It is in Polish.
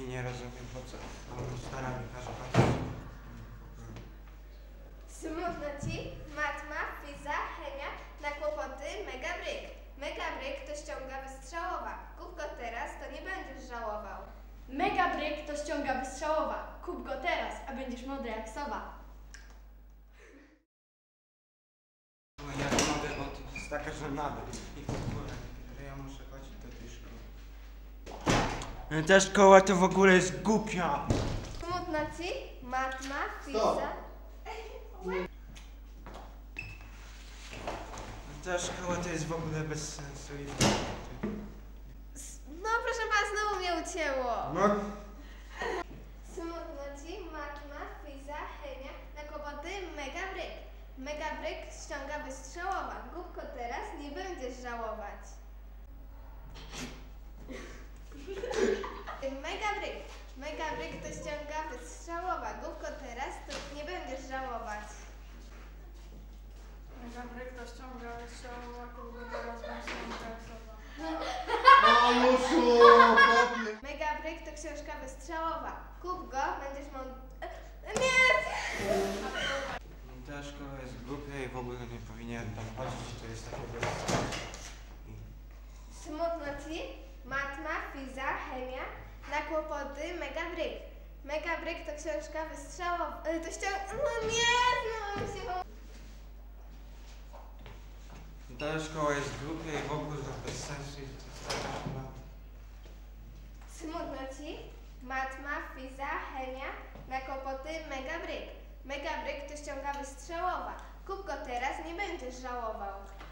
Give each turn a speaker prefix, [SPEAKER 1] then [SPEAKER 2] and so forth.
[SPEAKER 1] nie rozumiem, po co on starami każe patrzeć.
[SPEAKER 2] Smutno ci? Matma, fiza, chemia, na kłopoty, megabryk. Megabryk to ściąga wystrzałowa. Kup go teraz, to nie będziesz żałował.
[SPEAKER 3] Megabryk to ściąga wystrzałowa. Kup go teraz, a będziesz mądry jak sowa.
[SPEAKER 1] No ja nie mogę, bo to jest taka żenada. I w ogóle, że ja muszę chodzić do tej szkoły. Ta szkoła to w ogóle jest głupia.
[SPEAKER 2] Smutno ci? Matma, fiza...
[SPEAKER 1] Ta szkoła to jest w ogóle bez sensu.
[SPEAKER 2] No proszę pana, znowu mnie ucięło.
[SPEAKER 1] No.
[SPEAKER 2] Smutno ci? Matma, fiza, chemia, na kłopoty, megabryk. Megabryk ściąga wystrzałowa. Kup go teraz, nie będziesz żałować. Megabryk. Megabryk to ściąga wystrzałowa. Kup go teraz, to nie będziesz żałować.
[SPEAKER 3] Megabryk to ściąga wystrzałowa. Kup go teraz, będziesz mądry jak sowa.
[SPEAKER 2] Megabryk to książka wystrzałowa. Kup go, będziesz mądry... Nie!
[SPEAKER 1] Ta szkoła jest głupia i w ogóle nie powinien tam chodzić, to jest takie bez sensu.
[SPEAKER 2] Smutno ci? Matma, fiza, chemia, na kłopoty, megabryk. Megabryk to książka wystrzałowa. To No nie, znowu się...
[SPEAKER 1] Ta szkoła jest głupia i w ogóle bez sensu i to jest taka żenada.
[SPEAKER 2] Smutno ci? Matma, fiza, chemia, na kłopoty, megabryk. Megabryk to ściąga wystrzałowa. Kup go teraz, nie będziesz żałował.